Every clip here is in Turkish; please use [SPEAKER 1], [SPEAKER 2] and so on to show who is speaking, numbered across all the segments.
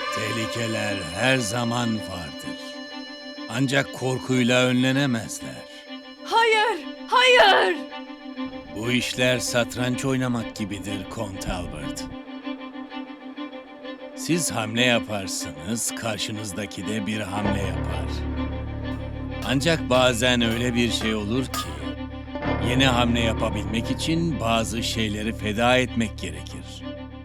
[SPEAKER 1] Tehlikeler her zaman vardır. Ancak korkuyla önlenemezler.
[SPEAKER 2] Hayır, hayır!
[SPEAKER 1] Bu işler satranç oynamak gibidir Kont Albert. Siz hamle yaparsınız, karşınızdaki de bir hamle yapar. Ancak bazen öyle bir şey olur ki, yeni hamle yapabilmek için bazı şeyleri feda etmek gerekir.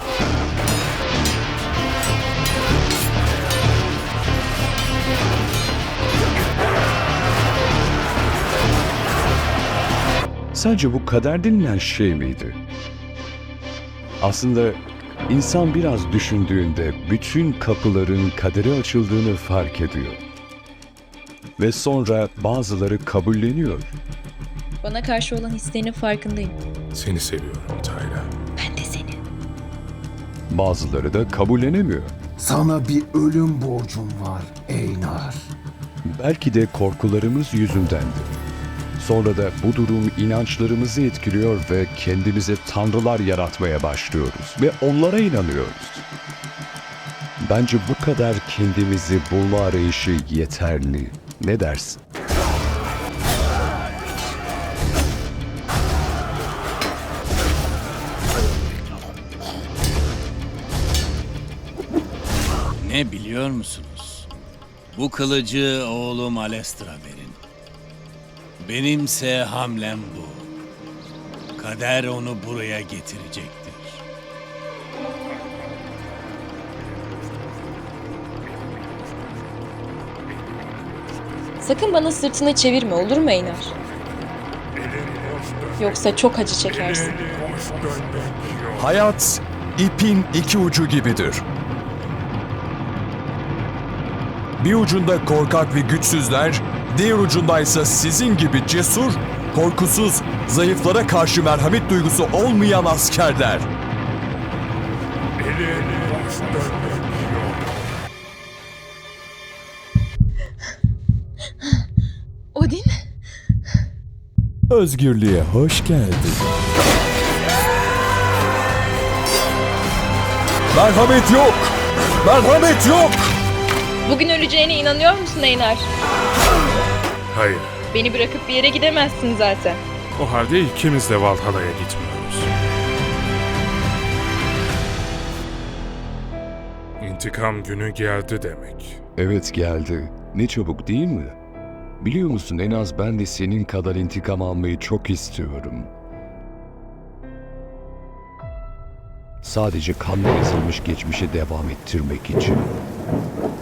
[SPEAKER 3] Sence bu kader denilen şey miydi? Aslında insan biraz düşündüğünde bütün kapıların kadere açıldığını fark ediyor. Ve sonra bazıları kabulleniyor.
[SPEAKER 4] Bana karşı olan hislerinin farkındayım.
[SPEAKER 5] Seni seviyorum Tayla.
[SPEAKER 4] Ben de seni.
[SPEAKER 3] Bazıları da kabullenemiyor.
[SPEAKER 6] Sana bir ölüm borcum var Eynar.
[SPEAKER 3] Belki de korkularımız yüzündendi. Sonra da bu durum inançlarımızı etkiliyor ve kendimize tanrılar yaratmaya başlıyoruz ve onlara inanıyoruz. Bence bu kadar kendimizi bulma arayışı yeterli. Ne dersin?
[SPEAKER 1] Ne biliyor musunuz? Bu kılıcı oğlum Alestr'a verin. Benimse hamlem bu. Kader onu buraya getirecektir.
[SPEAKER 4] Sakın bana sırtını çevirme, olur mu Eynar? Yoksa çok acı çekersin.
[SPEAKER 7] Hayat ipin iki ucu gibidir. Bir ucunda korkak ve güçsüzler, diğer ucundaysa sizin gibi cesur, korkusuz, zayıflara karşı merhamet duygusu olmayan askerler.
[SPEAKER 4] Odin?
[SPEAKER 7] Özgürlüğe hoş geldin. Merhamet yok! Merhamet yok!
[SPEAKER 4] Bugün öleceğine inanıyor musun Eynar?
[SPEAKER 5] Hayır.
[SPEAKER 4] Beni bırakıp bir yere gidemezsin zaten.
[SPEAKER 5] O halde ikimiz de Valhalla'ya gitmiyoruz. İntikam günü geldi demek.
[SPEAKER 3] Evet geldi. Ne çabuk değil mi? Biliyor musun en az ben de senin kadar intikam almayı çok istiyorum. Sadece kanla yazılmış geçmişe devam ettirmek için.